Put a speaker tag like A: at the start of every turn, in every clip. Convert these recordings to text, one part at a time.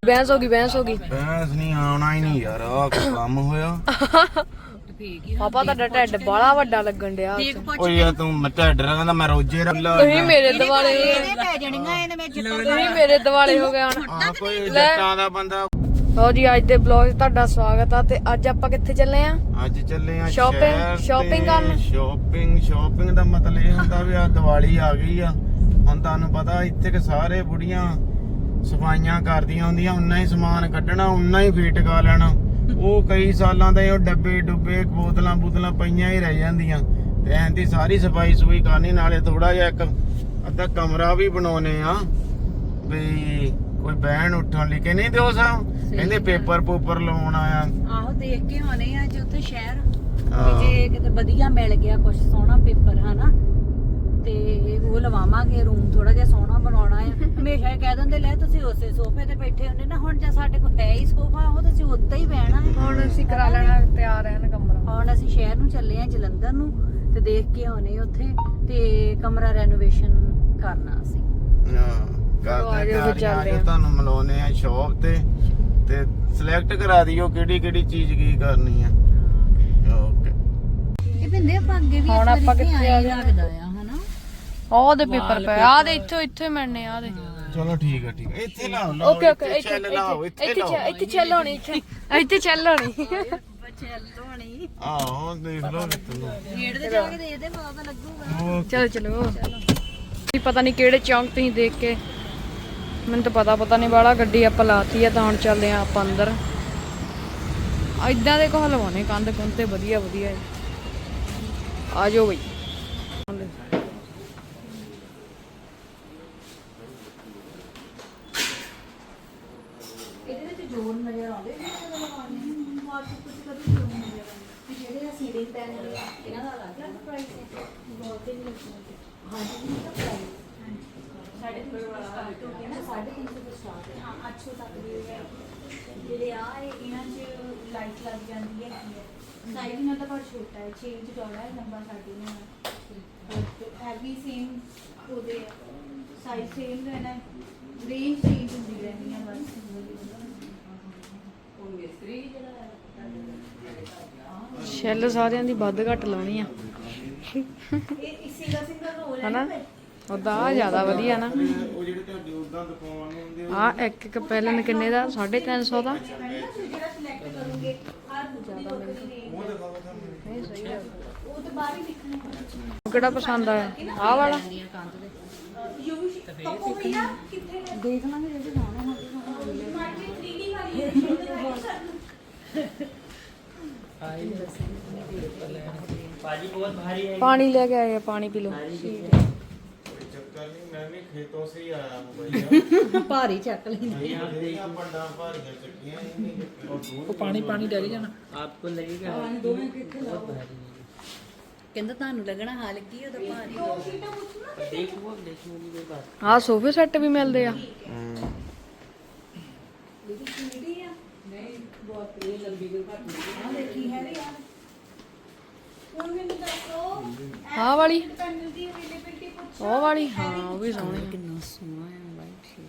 A: ਬਹਿਸ ਹੋ ਗਈ ਬਹਿਸ
B: ਨਹੀਂ ਆਉਣਾ ਹੀ ਨਹੀਂ ਯਾਰ, ਆਹ ਕੰਮ ਹੋਇਆ।
A: ਪਾਪਾ ਤੁਹਾਡਾ ਢਿੱਡ ਬੜਾ ਵੱਡਾ ਲੱਗਣ ਡਿਆ।
B: ਓਏ ਯਾਰ ਤੂੰ ਢਿੱਡ ਕਹਿੰਦਾ ਮੈਂ ਰੋਜੇ ਰੱਲਾ।
A: ਤੁਸੀਂ ਮੇਰੇ ਦਿਵਾਲੇ ਹੋ ਗਏ ਹੁਣ।
B: ਕੋਈ ਜੱਟਾਂ ਦਾ ਬੰਦਾ।
A: ਲਓ ਜੀ ਅੱਜ ਦੇ ਵਲੌਗ 'ਚ ਤੁਹਾਡਾ ਸਵਾਗਤ ਆ। ਤੇ ਅੱਜ ਆਪਾਂ ਕਿੱਥੇ ਚੱਲੇ ਆ?
B: ਅੱਜ ਚੱਲੇ ਆ
A: ਸ਼ਾਪਿੰਗ ਕਰਨ।
B: ਸ਼ਾਪਿੰਗ ਦਾ ਮਤਲਬ ਇਹ ਹੁੰਦਾ ਵੀ ਆ ਦੀਵਾਲੀ ਆ ਗਈ ਆ ਹੁਣ। ਤੁਹਾਨੂੰ ਪਤਾ ਇੱਥੇ ਕਿ ਸਾਰੇ ਬੁੜੀਆਂ ਸਫਾਈਆਂ ਕਰਦੀਆਂ ਹੁੰਦੀਆਂ, ਉਨਾ ਹੀ ਸਮਾਨ ਕੱਢਣਾ, ਉਨਾ ਹੀ ਫੇਟ ਕਾ ਲੈਣਾ। ਉਹ ਕਈ ਸਾਲਾਂ ਦੇ ਉਹ ਡੱਬੇ ਡੁੱਬੇ ਬੋਤਲਾਂ ਪਈਆਂ ਹੀ ਰਹਿ ਜਾਂਦੀਆਂ। ਤੇ ਐਂਦੀ ਸਾਰੀ ਸਫਾਈ ਸੁਈ ਕਰਨੀ, ਨਾਲੇ ਥੋੜਾ ਜਿਹਾ ਇੱਕ ਅੱਧਾ ਕਮਰਾ ਵੀ ਬਣਾਉਨੇ ਆ ਵੀ ਕੋਈ ਬਹਿਣ ਉੱਠਣ ਲਈ। ਕਿ ਨਹੀਂ ਦਿਓ ਸਾਹਿਬ ਕਹਿੰਦੇ ਪੇਪਰ ਪੂਪਰ ਲਾਉਣ ਆਇਆ।
C: ਆਹੋ ਦੇਖ ਕੇ ਆਉਣੇ ਆ ਜੇ ਉੱਥੇ ਸ਼ਹਿਰ ਜੇ ਕਿਤੇ ਵਧੀਆ ਮਿਲ ਗਿਆ ਕੁਝ ਸੋਹਣਾ ਪੇਪਰ ਹਨਾ, ਤੇ ਉਹ ਲਵਾਵਾਂਗੇ। ਰੂਮ ਥੋੜਾ ਜਿਹਾ ਸੋਹਣਾ ਬਣਾਉਣਾ ਹੈ। ਹਮੇਸ਼ਾ ਇਹ ਕਹਿ ਦਿੰਦੇ ਲੈ ਤੁਸੀਂ ਉਸੇ ਸੋਫੇ ਤੇ ਬੈਠੇ ਹੁੰਦੇ ਨਾ, ਹੁਣ ਜੇ ਸਾਡੇ ਕੋਲ ਹੈ ਹੀ ਸੋਫਾ ਉਹ ਤੁਸੀਂ ਉੱਤੇ ਹੀ ਬਹਿਣਾ ਹੈ।
A: ਹੁਣ ਅਸੀਂ ਕਰਾ ਲੈਣਾ ਤਿਆਰ ਹੈ ਨਾ ਕਮਰਾ।
C: ਹੁਣ ਅਸੀਂ ਸ਼ਹਿਰ ਨੂੰ ਚੱਲੇ ਆ ਜਲੰਧਰ ਨੂੰ, ਤੇ ਦੇਖ ਕੇ ਆਉਣੇ ਉੱਥੇ ਤੇ ਕਮਰਾ ਰੈਨੋਵੇਸ਼ਨ ਕਰਨਾ ਅਸੀਂ।
B: ਤੁਹਾਨੂੰ ਮਿਲਾਉਣੇ ਆ ਸ਼ੌਪ ਤੇ ਸਿਲੈਕਟ ਕਰਾ ਦਿਓ ਕਿਹੜੀ ਚੀਜ਼ ਕੀ ਕਰਨੀ ਆ। ਓਕੇ
C: ਇਹ ਬਿੰਦੇ ਆਪਾਂ ਅੱਗੇ ਵੀ
A: ਹੁਣ ਆਪਾਂ ਕਿੱਥੇ ਆ ਗਏ?
C: ਲੱਗਦਾ ਆ ਹਨਾ।
A: ਆਹ ਦੇ ਪੇਪਰ ਪਏ ਆ ਦੇ ਇੱਥੇ ਮਿਲਣੇ ਆ ਦੇ।
B: ਚਲੋ ਠੀਕ ਹੈ ਇੱਥੇ ਲਾਓ।
A: ਓਕੇ
B: ਇੱਥੇ ਚੱਲ
A: ਚੱਲ ਹੋਣੀ ਇੱਥੇ ਚੱਲ ਹੋਣੀ।
C: ਚੱਲੋਣੀ
B: ਆਹੋ ਦੇਖ ਲਓ
C: ਗੇਟ ਤੇ ਜਾ ਕੇ ਦੇਖਦੇ ਪਤਾ ਲੱਗੂਗਾ।
A: ਚਲੋ ਪਤਾ ਨਹੀਂ ਕਿਹੜੇ ਚੌਂਕ ਤੁਸੀਂ ਦੇਖ ਕੇ, ਮੈਨੂੰ ਤਾਂ ਪਤਾ ਨਹੀਂ ਵਾਲਾ। ਗੱਡੀ ਆਪਾਂ ਲਾਤੀ ਆ ਤਾਂ ਹੁਣ ਚੱਲਦੇ ਆ ਆਪਾਂ ਅੰਦਰ। ਇਦਾਂ ਦੇ ਕੋਹ ਲਵਾਉਣੇ ਕੰਧ ਤੇ ਵਧੀਆ ਆ ਜਾਓ ਬਈ।
C: ਇਹਦੇ ਵਿੱਚ ਜੋੜ ਨਜ਼ਰ ਆਉਂਦੇ ਨੇ ਜਦੋਂ ਲਗਾਉਂਦੇ ਆ ਵਾਟਰ ਕੁਝ ਕਦੇ ਜੋੜ ਨਜ਼ਰ ਆਉਂਦੇ ਜਿਹੜੇ ਸੀਲਿੰਗ ਪੈਨਲ ਆ ਇਹਨਾਂ ਦਾ ਅਲੱਗ ਪ੍ਰਾਈਸ ਹੈ। ਬਹੁਤ ਹੀ ਹਾਂਜੀ ਇਹਦਾ ਪ੍ਰਾਈਸ ਸਾਡੇ ਕੋਲ ਸਟਾਰਟ ਹੋ ਗਿਆ ਨਾ 350 ਤੋਂ ਸਟਾਰਟ ਹੈ। ਹਾਂ 800 ਤੱਕ ਦੇ ਜਿਹੜੇ ਆ ਇਹਨਾਂ 'ਚ ਲਾਈਟ ਲੱਗ ਜਾਂਦੀ ਹੈ। ਸਾਈਜ਼ ਇਹਨਾਂ ਦਾ ਬਹੁਤ ਛੋਟਾ ਹੈ, 6 ਇੰਚ ਚੌੜਾ ਹੈ, ਲੰਬਾ 9.5 ਹੈ ਵੀ ਸੇਮ ਉਹਦੇ ਸਾਈਜ਼ ਸੇਮ ਰਹਿਣਾ ਹੈ, ਰੇਂਜ ਚੇਂਜ ਹੁੰਦੀ ਰਹਿਣੀ ਹੈ ਬਸ।
A: ਸ਼ੈਲ ਸਾਰਿਆਂ ਦੀ ਵੱਧ ਘੱਟ ਲਾਉਣੀ ਆ
C: ਇਹ ਸਿੰਗਲ ਰੋਲ ਹੈ
A: ਹਨਾ। ਉਹਦਾ ਆ ਜ਼ਿਆਦਾ ਵਧੀਆ ਨਾ।
B: ਉਹ ਜਿਹੜੇ ਤੁਹਾਡੇ ਉਦਾਂ ਦੁਕਾਨ ਹੁੰਦੇ
A: ਆ ਇੱਕ ਪੈਲਨ ਕਿੰਨੇ ਦਾ? 350 ਦਾ।
C: ਜਿਹੜਾ ਸਿਲੈਕਟ ਕਰੋਗੇ ਹਰ ਜ਼ਿਆਦਾ
B: ਉਹ ਦਿਖਾਓ ਤੁਹਾਨੂੰ।
A: ਨਹੀਂ ਸਹੀ ਹੈ।
C: ਉਹ ਤਾਂ ਬਾਹਰ ਹੀ ਲਿਖਣਾ।
A: ਕਿਹੜਾ ਪਸੰਦ ਆਇਆ? ਆਹ ਵਾਲਾ
C: ਯੂ ਟੋਪੋ ਭਈਆ ਕਿੱਥੇ ਹੈ? ਦੇਖ ਲਾਂਗੇ ਜਿਹੜੇ ਜਾਣਾ ਹੋਵੇ। ਮਾਰਕੀਟ 3D ਵਾਲੀ ਹੈ।
A: ਪਾਣੀ ਲੈ ਕੇ ਆਏ ਆ, ਪਾਣੀ ਪੀ ਲਓ।
B: ਚੱਕਰ ਨਹੀਂ, ਮੈਂ ਵੀ ਖੇਤੋਂ ਸੇ ਆਇਆ ਹੂੰ ਭਈਆ।
C: ਭਾਰੀ ਚੱਕ ਲੈਂਦੇ
B: भैया बड़ा भारी चक्कियां ही नहीं।
D: वो पानी डाली जाना आपको लगेगा बहुत भारी।
C: ਕਹਿੰਦਾ ਤੁਹਾਨੂੰ ਲੱਗਣਾ ਹਾਲ ਕੀ ਉਹਦਾ ਭਾਰੀ।
D: देखो देखने की बात।
A: ਆਹ ਸੋਫੇ ਸੈੱਟ ਵੀ ਮਿਲਦੇ ਆ। ਆਹ ਵਾਲੀ ਉਹ ਵਾਲੀ ਹਾਂ ਉਹ ਵੀ ਸੋਹਣੀ।
C: ਕਿੰਨਾ ਸੋਹਣਾ ਹੈ ਵਾਈਟ ਸ਼ੇਡ।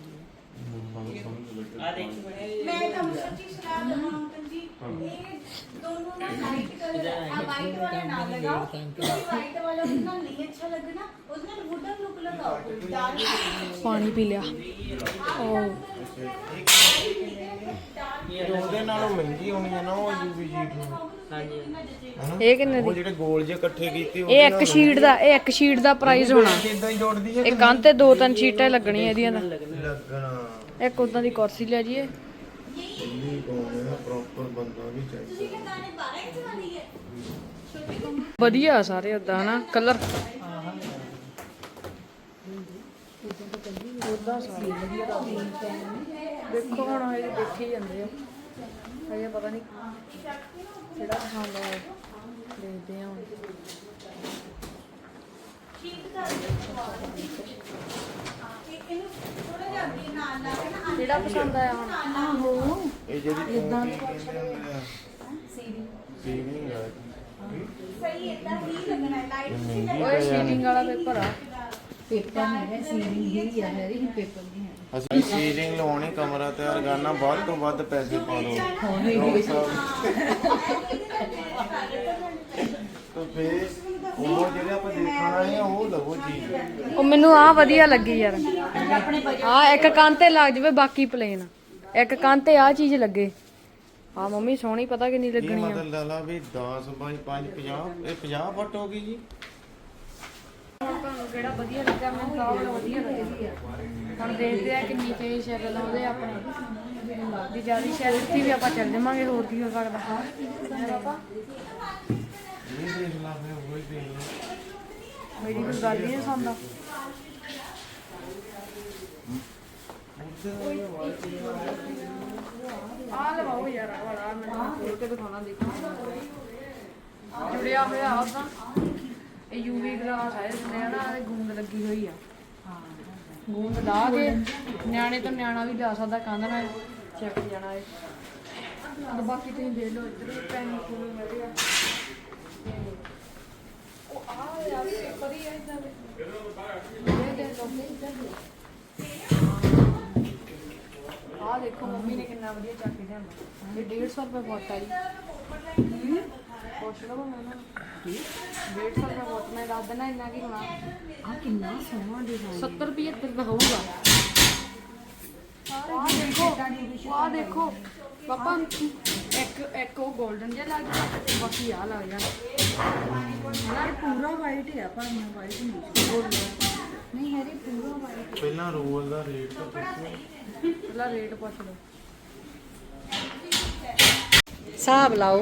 E: मैं तुम सच्ची सलाह दूंगा अंकल जी, ये दोनों ना लाइट कलर आ वाइट वाला ना लगाओ क्योंकि वाइट वाला उतना नहीं अच्छा लगना, उसमें वुडन लुक लगाओ डार्क।
A: ਪਾਣੀ ਪੀ ਲਿਆ।
B: ਉਹਦੇ ਨਾਲੋਂ ਮਹਿੰਗੀ ਹੋਣੀ ਹੈ ਨਾ ਉਹ ਯੂਵੀ ਸ਼ੀਟ
A: ਇਹ ਕਿੰਨੇ
B: ਉਹ
A: ਦੀ?
B: ਜਿਹੜੇ ਗੋਲ ਜੇ ਇਕੱਠੇ ਕੀਤੇ
A: ਇਹ ਇੱਕ ਸ਼ੀਟ ਦਾ ਪ੍ਰਾਈਸ ਹੋਣਾ।
B: ਇਦਾਂ ਹੀ ਜੋੜਦੀ ਹੈ
A: ਇਹ ਕੰਧ ਤੇ 2-3 ਸ਼ੀਟਾਂ ਲੱਗਣੀਆਂ ਇਹਦੀਆਂ ਦਾ।
B: ਲੱਗਣਾ।
A: ਇੱਕ ਉਦਾਂ ਦੀ ਕੁਰਸੀ ਲੈ ਜੀਏ।
B: ਦਿੱਲੀ ਕੋਲ ਹੈ ਪ੍ਰੋਪਰ ਬੰਦਾ ਵੀ ਚਾਹੀਦਾ।
E: गाने 12 इंच वाली है छोटी।
A: ਵਧੀਆ ਸਾਰੇ ਉਦਾਂ ਹਨਾ ਕਲਰ। ਉਦਾਂ ਸਾਰੇ ਵਧੀਆ। ਦੇਖੋ ਹੁਣ ਇਹ ਦੇਖੀ ਜਾਂਦੇ ਆ ਹਜੇ ਪਤਾ ਨਹੀਂ ਕਿਹੜਾ ਪਸੰਦ ਆ। ਦੇਖਦੇ ਆ ਹੁਣ। ਕਿਹੜਾ ਪਸੰਦ ਆਇਆ ਹੁਣ?
C: ਆਹੋ
B: ਇਹ ਜਿਹੜੀ ਇਦਾਂ ਸੀਲਿੰਗ ਹੈ
E: सही है, इतना ही लगना है लाइट से
A: ਓਏ ਸ਼ੀਟਿੰਗ ਵਾਲਾ ਪੇਪਰ ਆ।
C: ਪੇਪਰ ਨਹੀਂ ਹੈ, ਸੀਲਿੰਗ ਹੀ ਆ ਮੇਰੀ, ਪੇਪਰ ਨਹੀਂ ਹੈ।
B: ਅਸੀਂ ਸੀਲਿੰਗ ਲਵਾਉਣੀ, ਕਮਰਾ ਤਿਆਰ ਕਰਨਾ, ਵੱਧ ਤੋਂ ਵੱਧ ਪੈਸੇ ਪਾ ਦਿਓ। ਤਾਂ ਫੇਰ ਉਹ ਜਿਹੜੇ ਆਪਾਂ ਦੇਖਣ ਆਏ ਆ ਉਹ ਲਵੋ ਚੀਜ਼।
A: ਉਹ ਮੈਨੂੰ ਆ ਵਧੀਆ ਲੱਗੀ ਯਾਰ, ਆ ਇੱਕ ਕੰਨ ਤੇ ਲੱਗ ਜਾਵੇ, ਬਾਕੀ ਪਲੇਨ ਇੱਕ ਕੰਨ ਤੇ ਆ ਚੀਜ਼ ਲੱਗੇ। ਆ ਮੰਮੀ ਸੋਹਣੀ, ਪਤਾ ਕਿੰਨੀ
B: ਇਹ
A: ਲੱਗਣੀ ਆ।
B: ਮਤਲਬ ਲਾ ਵੀ 10 ਬਾਈ 5 50, ਇਹ 50 ਫੁੱਟ ਹੋ ਗਈ ਜੀ।
A: ਤੁਹਾਨੂੰ ਕਿਹੜਾ ਵਧੀਆ ਲੱਗਾ? ਮੈਨੂੰ ਤਾਂ ਉਹ ਵਧੀਆ ਲੱਗੀ ਆ। ਹੁਣ ਦੇਖਦੇ ਆ ਕਿੰਨੀ ਪੇ ਸ਼ਕਲ ਆਉਂਦੇ ਆਪਣੇ ਦੀ ਜਿਆਦਾ ਸ਼ਾਇਦ ਇੱਥੇ ਵੀ ਆਪਾਂ ਚੱਲ ਜਾਵਾਂਗੇ, ਹੋਰ ਕੀ ਹੋ ਸਕਦਾ। ਪਾਪਾ
B: ਇਹ ਦੇਖ ਲਾ ਫੇਰ ਉਹ ਹੀ ਦੇਖ ਲਾ।
A: ਮੇਰੀ ਕੋਈ ਗੱਲ ਹੀ ਨਹੀਂ ਸੁਣਦਾ। ਆ ਲਵਾਓ ਯਾਰ, ਆ ਵਾਲਾ ਮੈਨੂੰ ਖੋਲ ਕੇ ਦਿਖਾਉਣਾ, ਦੇਖੋ ਜੁੜਿਆ ਹੋਇਆ ਉਹਦਾ। ਇਹ ਯੂਵੀ ਗਲਾਸ ਹੈ, ਇਸਨੇ ਨਾ ਇਹ ਗੂੰਦ ਲੱਗੀ ਹੋਈ ਆ। ਗੂੰਦ ਲਾ ਕੇ ਨਿਆਣੇ ਤੋਂ ਨਿਆਣਾ ਵੀ ਜਾ ਸਕਦਾ, ਕੰਧ ਨਾਲ ਚੱਕ ਜਾਣਾ ਹੈ। ਤੇ ਬਾਕੀ ਤੁਸੀਂ ਦੇਖ ਲਓ, ਇੱਧਰ ਵੀ ਪੈਨ ਕੋਲ ਮਿਲਦੇ ਆ। ਉਹ ਆ ਯਾਰ ਪੇਪਰ ਹੀ ਹੈ ਇਦਾਂ ਦੇ। ਇਹ ਦੇਖ ਲਓ ਆ ਦੇਖੋ, ਮੰਮੀ ਨੇ ਕਿੰਨਾ ਵਧੀਆ ਚੱਕ ਕੇ ਲਿਆਂਦਾ। ਇਹ 150 ਰੁਪਏ ਫੁੱਟ ਆ ਜੀ। ਪੁੱਛ ਲਓ ਮੈਂ ਨਾ 150 ਰੁਪਏ ਫੁੱਟ, ਮੈਂ ਦੱਸ ਦੇਣਾ ਇੰਨਾ ਕੀ ਹੋਣਾ।
C: ਆ ਕਿੰਨਾ ਸੋਹਣਾ ਡਿਜ਼ਾਈਨ।
A: 70 ਰੁਪਏ ਦਾ ਹੋਊਗਾ। ਆਹ ਦੇਖੋ ਪਾਪਾ, ਇੱਕ ਉਹ 골ਡਨ ਜਿਹਾ ਲੱਗ ਗਿਆ, ਬਾਕੀ ਆ ਲੱਗ ਜਾਣਾ।
C: ਯਾਰ ਪੂਰਾ ਵਾਈਟ ਹੈ, ਪਰ ਮੈਂ ਵਾਈਟ ਨਹੀਂ ਹੈ, ਪੂਰਾ ਵਾਈਟ।
B: ਪਹਿਲਾਂ ਰੋਲ ਦਾ ਰੇਟ ਤਾਂ ਪੁੱਛੋ।
A: ਪਹਿਲਾਂ ਰੇਟ ਪੁੱਛ ਲਓ।
C: ਹਿਸਾਬ ਲਾਓ।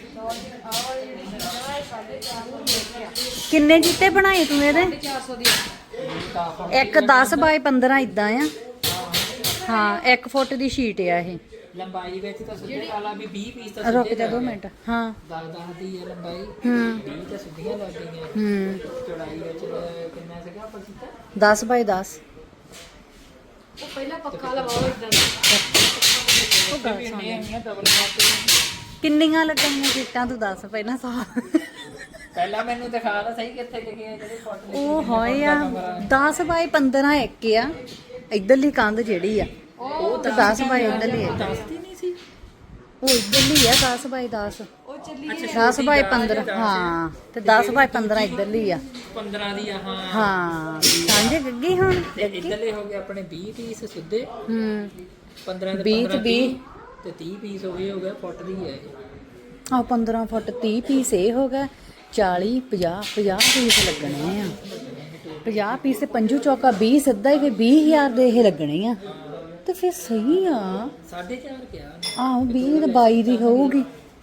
C: ਕਿੰਨੇ ਜੀਤੇ ਬਣਾਏ ਤੂੰ ਇਹਦੇ?
A: 400 ਦੀ
C: ਇੱਕ 10 ਬਾਈ 15 ਇਦਾਂ ਆ। ਹਾਂ 1 ਫੁੱਟ ਦੀ ਸ਼ੀਟ ਆ ਇਹ।
D: ਲੰਬਾਈ ਵਿੱਚ ਤਾਂ ਸਿੱਧੇ ਵਾਲਾ ਵੀ 20 ਪੀਸ ਤਾਂ
C: ਰੁਕ ਜਾ 2 ਮਿੰਟ। ਹਾਂ
D: 10 ਦੀ ਹੈ ਲੰਬਾਈ,
C: ਹੂੰ
D: 20 ਤਾਂ ਸਿੱਧੀਆਂ ਲੱਗ ਗਈਆਂ।
C: ਹੂੰ
D: ਚੌੜਾਈ ਵਿੱਚ ਕਿੰਨਾ ਸੀਗਾ ਆਪਾਂ ਕੀਤਾ?
C: 10 ਬਾਈ 10।
A: ਉਹ ਪਹਿਲਾਂ ਪੱਖਾ ਲਵਾਓ ਇਦਾਂ ਦਾ।
C: ਉਹ ਗੱਲ ਸੁਣ।
D: ਇੰਨੀਆਂ ਡਬਲ ਮਾਰਕੇ
C: ਕਿੰਨੀਆਂ ਲੱਗਣੀਆਂ ਸ਼ੀਟਾਂ ਤੂੰ ਦੱਸ ਪਹਿਲਾਂ ਸਾਹ।
D: ਪਹਿਲਾਂ ਮੈਨੂੰ ਦਿਖਾ ਤਾਂ ਸਹੀ ਕਿੱਥੇ ਲਿਖੇ ਆ ਜਿਹੜੇ ਫੋਟੋ
C: ਉਹ ਹੋਏ ਆ 10 ਬਾਈ 15 ਇੱਕ ਆ। ਇਧਰਲੀ ਕੰਧ ਜਿਹੜੀ ਆ ਉਹ ਤਾਂ 10 ਬਾਈ ਇਧਰਲੀ ਆ।
D: ਦੱਸਦੀ ਨਹੀਂ ਸੀ।
C: ਉਹ ਇਧਰਲੀ ਆ 10 ਬਾਈ 10। 10 ਬਾਈ 15 ਹਾਂ, ਤੇ 10 ਬਾਈ 15 ਇਧਰਲੀ ਆ।
D: 15 ਦੀ ਆ ਹਾਂ।
C: ਹਾਂ ਸਾਂਝੇ ਗੱਗੀ ਹੁਣ।
D: ਤੇ ਇੱਧਰਲੇ ਹੋ ਗਏ ਆਪਣੇ 20 ਪੀਸ ਸਿੱਧੇ,
C: ਹੂੰ
D: 15 ਦੇ
C: 20
D: 15
C: 20
D: ਤੇ 30 ਪੀਸ ਹੋ ਗਏ ਫੁੱਟ ਦੀ ਹੈ ਇਹ।
C: ਆ 15 ਫੁੱਟ 30 ਪੀਸ ਇਹ ਹੋ ਗਿਆ। 40 50 ਪੀਸ ਲੱਗਣੇ ਆ। 50 ਪੀਸ ਤੇ ਪੰਜੂ ਚੌਕਾ 20 ਸਿੱਧਾ ਹੀ, ਫਿਰ 20,000 ਦੇ ਇਹ ਲੱਗਣੇ ਆ। ਤੇ ਫਿਰ ਸਹੀ ਆ।
D: 4.5 ਕਿਹਾ
C: ਆਹੋ 20 ਤੇ 22 ਦੀ ਹੋਊਗੀ।